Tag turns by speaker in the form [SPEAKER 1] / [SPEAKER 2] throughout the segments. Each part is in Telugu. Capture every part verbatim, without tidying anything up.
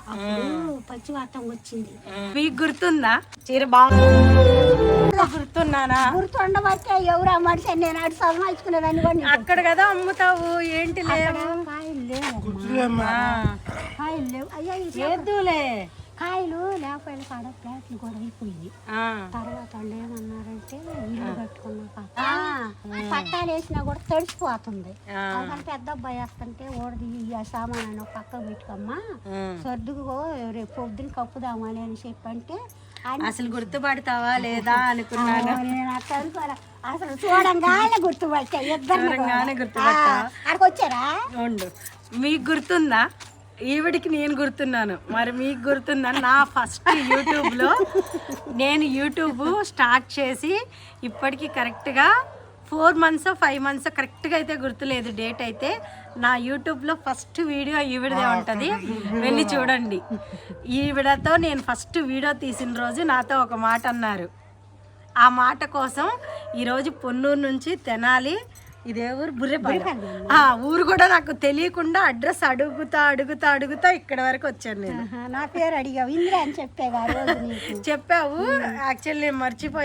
[SPEAKER 1] అప్పుడు పచ్చివాతం వచ్చింది.
[SPEAKER 2] మీకు గుర్తుందా చీర బాగా గుర్తున్నానా?
[SPEAKER 1] గుర్తుండబట్టే ఎవరు మనిషి నేను అటు సంపాదించుకునేదాన్ని కూడా
[SPEAKER 2] అక్కడ కదా అమ్ముతావు ఏంటి లేవు
[SPEAKER 1] కాయలు లేవు కాయలు లేవు అయ్యా
[SPEAKER 2] ఏద్దులే
[SPEAKER 1] కాయలు లేకపోయిన కాడ ప్లాట్లు కూడా అయిపోయింది. తర్వాత వాళ్ళు ఏమన్నారంటే ఇల్లు కట్టుకున్నాక పట్టాలు వేసినా కూడా తడిసిపోతుంది. అందుకని పెద్ద అబ్బాయి వేస్తుంటే ఓడది ఈ సామాన్ పక్క పెట్టుకోమ్మా సర్దుకో రేపు పొద్దున కప్పుదామని అని చెప్పంటే
[SPEAKER 2] అసలు గుర్తుపడతావా లేదా అనుకున్నాను.
[SPEAKER 1] నేను అట్లా అనుకోరా అసలు చూడంగానే గుర్తుపట్టా ఇద్దరు
[SPEAKER 2] గుర్తుపట్టా
[SPEAKER 1] అక్కడికి వచ్చారా
[SPEAKER 2] ఉండు. మీకు గుర్తుందా? ఈవిడికి నేను గుర్తున్నాను, మరి మీకు గుర్తుందా? నా ఫస్ట్ యూట్యూబ్లో నేను యూట్యూబ్ స్టార్ట్ చేసి ఇప్పటికీ కరెక్ట్గా ఫోర్ మంత్స్ ఫైవ్ మంత్స్ కరెక్ట్గా అయితే గుర్తులేదు డేట్ అయితే. నా యూట్యూబ్లో ఫస్ట్ వీడియో ఈవిడదే ఉంటుంది, వెళ్ళి చూడండి. ఈవిడతో నేను ఫస్ట్ వీడియో తీసిన రోజు నాతో ఒక మాట అన్నారు. ఆ మాట కోసం ఈరోజు పొన్నూరు నుంచి తెనాలి, ఇదే ఊరు బుర్రెపల్లి, ఆ ఊరు కూడా నాకు తెలియకుండా అడ్రస్ అడుగుతా అడుగుతా అడుగుతా ఇక్కడ వరకు వచ్చాను నేను.
[SPEAKER 1] నా పేరు అడిగావు ఇంద్ర అని చెప్పే
[SPEAKER 2] చెప్పావు, యాక్చువల్లీ నేను మర్చిపోయా.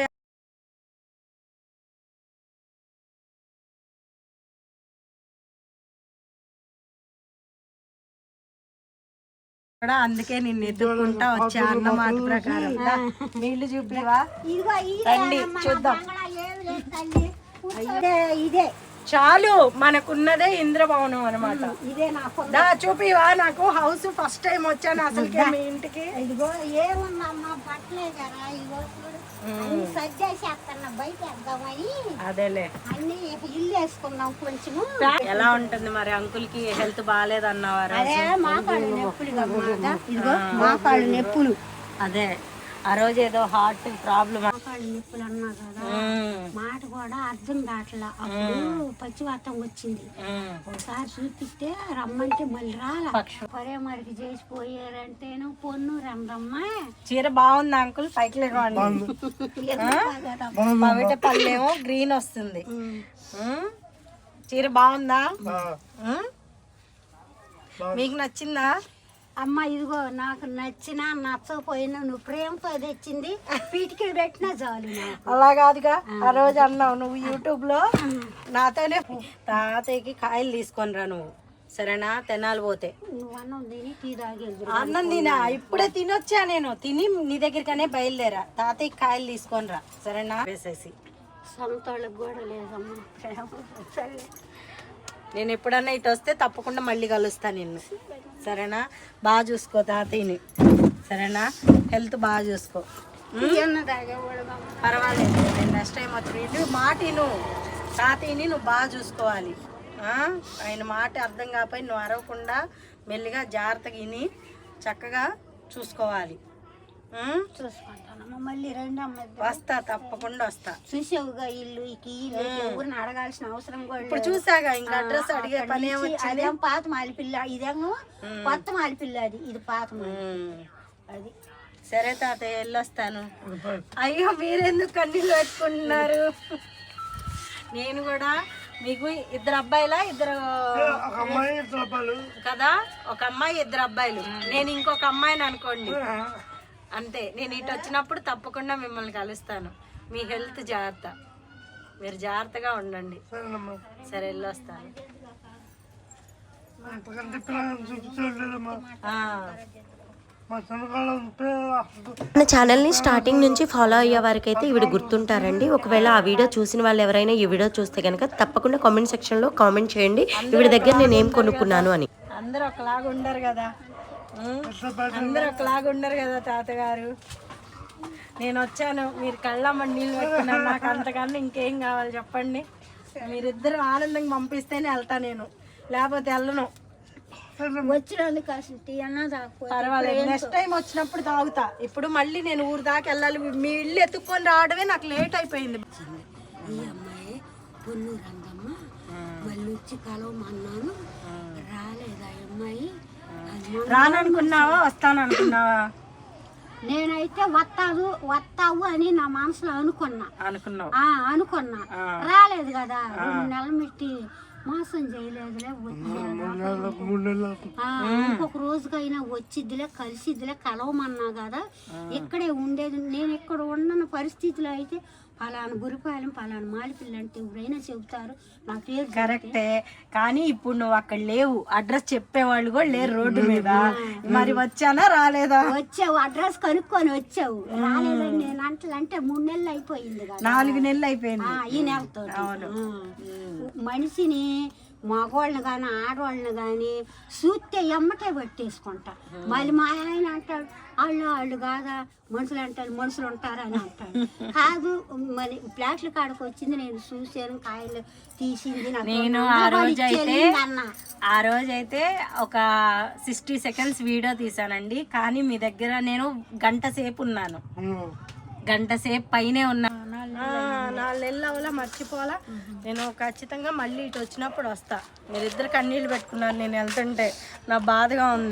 [SPEAKER 2] అందుకే నిన్ను ఎత్తుకుంటా వచ్చా అన్న మాట ప్రకారం. నీళ్లు చూపివా? రండి చూద్దాం.
[SPEAKER 1] ఇదే
[SPEAKER 2] చాలు, మనకున్నదే ఇంద్రభవనం అనమాట.
[SPEAKER 1] ఇదే
[SPEAKER 2] దా చూపివా? నాకు హౌస్ ఫస్ట్ టైం వచ్చాను అసలుకే మీ ఇంటికి.
[SPEAKER 1] ఇదిగో ఏముందమ్మా బట్టలే కదా, ఇదిగో సజ్జేసేస్తున్నా బయట వేద్దామని.
[SPEAKER 2] అదేలే
[SPEAKER 1] అన్ని ఇల్లు వేసుకున్నాం కొంచెము.
[SPEAKER 2] ఎలా ఉంటుంది మరి? అంకుల్ కి హెల్త్ బాగాలేదు అన్నవారు.
[SPEAKER 1] అదే మాకాళ్ళు నొప్పులు, ఇదిగో మాకాళ్ళు నొప్పులు.
[SPEAKER 2] అదే ఆ రోజు ఏదో హార్ట్ ప్రాబ్లం
[SPEAKER 1] మాకాళ్ళు నొప్పులు అన్నా కదా, మాట కూడా అర్థం కావట్లా. అప్పుడు పచ్చివాతం వచ్చింది. ఒకసారి చూపిస్తే రమ్మంటే మళ్ళీ రాలా. పరే మరికి చేసిపోయారంటేను పొన్ను రమ్మమ్మ.
[SPEAKER 2] చీర బాగుంది అంకుల్, పైకి లేవండి. బయట పళ్ళేమో గ్రీన్ వస్తుంది. చీర బాగుందా? మీకు నచ్చిందా?
[SPEAKER 1] అమ్మ ఇదిగో నాకు నచ్చినా నచ్చకపోయినా నువ్వు ప్రేమతో తెచ్చింది పీటికి పెట్టినా చాలు.
[SPEAKER 2] అలా కాదుగా, ఆ రోజు అన్నావు నువ్వు యూట్యూబ్ లో నాతోనే తాతయ్యకి కాయలు తీసుకొని రా నువ్వు, సరేనా? తెనాలి పోతే
[SPEAKER 1] నువ్వు అన్నం తిని టీ తాగి
[SPEAKER 2] అన్నం తినా, ఇప్పుడే తినొచ్చా నేను. తిని నీ దగ్గరికనే బయలుదేరా. తాతయ్యకి కాయలు తీసుకొని రా, సరేనా? వేసేసి
[SPEAKER 1] సొంతోళ్ళకి కూడా లేదమ్మా ప్రేమ.
[SPEAKER 2] నేను ఎప్పుడన్నా ఇటు వస్తే తప్పకుండా మళ్ళీ కలుస్తాను నిన్ను, సరేనా? బాగా చూసుకో తాతయ్యని, సరేనా? హెల్త్ బాగా చూసుకో. పర్వాలేదు, నేను నెక్స్ట్ టైం వచ్చి మాట నువ్వు తాతయ్యని నువ్వు బాగా చూసుకోవాలి. ఆయన మాట అర్థం కాకపోయి నువ్వు అరవకుండా మెల్లిగా జాగ్రత్తగా విని చక్కగా చూసుకోవాలి.
[SPEAKER 1] చూసుకుంటానమ్మా. మళ్ళీ రెండు అమ్మ
[SPEAKER 2] వస్తా, తప్పకుండా వస్తా.
[SPEAKER 1] చూసావుగా ఇల్లు ఇల్లు ఎవరిని అడగాల్సిన అవసరం కూడా
[SPEAKER 2] ఇప్పుడు చూసాగా, ఇంకా అడ్రస్ అడిగే పని.
[SPEAKER 1] అదేం పాత మాలిపిల్ల, ఇదేమో కొత్త మాలిపిల్ల. అది ఇది పాత అది.
[SPEAKER 2] సరే తాతయ్య వెళ్ళొస్తాను. అయ్యో మీరెందుకు కన్నీళ్ళు పెట్టుకుంటున్నారు? నేను కూడా మీకు ఇద్దరు అబ్బాయిలా? ఇద్దరు కదా, ఒక అమ్మాయి ఇద్దరు అబ్బాయిలు. నేను ఇంకొక అమ్మాయిని అనుకోండి అంతే. నేను ఇటు వచ్చినప్పుడు తప్పకుండా మిమ్మల్ని కలుస్తాను. మీ హెల్త్ జాగ్రత్త, మీరు జాగ్రత్తగా ఉండండి, సరే? వెళ్ళొస్తాను.
[SPEAKER 3] మన ఛానల్ని స్టార్టింగ్ నుంచి ఫాలో అయ్యే వారికి అయితే ఈవిడ గుర్తుంటారండి. ఒకవేళ ఆ వీడియో చూసిన వాళ్ళు ఎవరైనా ఈ వీడియో చూస్తే కనుక తప్పకుండా కామెంట్ సెక్షన్లో కామెంట్ చేయండి ఈవిడ దగ్గర నేను ఏం కొనుక్కున్నాను అని.
[SPEAKER 2] అందరూ ఒకలాగా ఉండరు కదా, అందరూ ఒకలాగా ఉండరు కదా తాతగారు. నేను వచ్చాను, మీరు కళ్ళమ్మ నీళ్ళు పెట్టుకున్నారు. నాకు అంతకన్నా ఇంకేం కావాలి చెప్పండి? మీరిద్దరు ఆనందంగా పంపిస్తేనే వెళ్తా నేను, లేకపోతే వెళ్ళను.
[SPEAKER 1] వచ్చినందుకు అసలు టీ అన్నా తాగకపోతే
[SPEAKER 2] పర్వాలేదు, నెక్స్ట్ టైం వచ్చినప్పుడు తాగుతా. ఇప్పుడు మళ్ళీ నేను ఊరు దాకా వెళ్ళాలి. మీ ఇల్లు ఎత్తుక్కొని రావడమే నాకు లేట్ అయిపోయింది.
[SPEAKER 1] ఈ అమ్మాయి పొన్ను రంగమ్మ మళ్ళీ వచ్చి కలవమన్నాను, రాలేదా అమ్మాయి?
[SPEAKER 2] రాననుకున్నావా వస్తాను అనుకున్నావా?
[SPEAKER 1] నేనైతే వస్తావు వస్తావు అని నా మనసులో అనుకున్నా
[SPEAKER 2] అనుకున్నావు
[SPEAKER 1] అనుకున్నా రాలేదు కదా. రెండు నెలలు పెట్టి మోసం చేయలేదులే వచ్చిద్దిలే ఇంకొక రోజుకైనా వచ్చిద్దిలే కలిసిద్దిలే కలవమన్నా కదా ఇక్కడే ఉండేది. నేను ఇక్కడ ఉన్న పరిస్థితిలో అయితే పలానా గురిపాలెం పలానా మాలిపిల్ల అంటే ఎవరైనా చెబుతారు నా పేరు.
[SPEAKER 2] కరెక్టే, కానీ ఇప్పుడు నువ్వు అక్కడ లేవు, అడ్రస్ చెప్పేవాళ్ళు కూడా లేరు రోడ్డు మీద. మరి వచ్చానా రాలేదా?
[SPEAKER 1] వచ్చావు, అడ్రస్ కనుక్కొని వచ్చావు. రాలేదని నేను అంటే మూడు నెలలు అయిపోయింది కదా,
[SPEAKER 2] నాలుగు నెలలు అయిపోయింది
[SPEAKER 1] ఈ నెలతో. మనిషిని మగవాళ్ళని కానీ ఆడవాళ్ళని కానీ చూస్తే ఎమ్మటే పట్టేసుకుంటా. మళ్ళీ మా ఆయన అంటాడు వాళ్ళు వాళ్ళు కాదా మనుషులు అంటారు, మనుషులు ఉంటారని అంటాడు. కాదు మరి ఫ్లాట్ల కాడకు వచ్చింది, నేను చూసాను, కాయలు తీసింది.
[SPEAKER 2] నేను ఆ రోజు అయితే ఆ రోజు అయితే ఒక సిక్స్టీ సెకండ్స్ వీడియో తీసానండి. కానీ మీ దగ్గర నేను గంట సేపు ఉన్నాను, గంట సేపు పైనే ఉన్నాను. నాలుగు నెలలు అవలా మర్చిపోవాలా. నేను ఖచ్చితంగా మళ్ళీ ఇటు వచ్చినప్పుడు వస్తా. మీరిద్దరు కన్నీళ్ళు పెట్టుకున్నారు నేను వెళ్తుంటే, నా బాధగా ఉంది.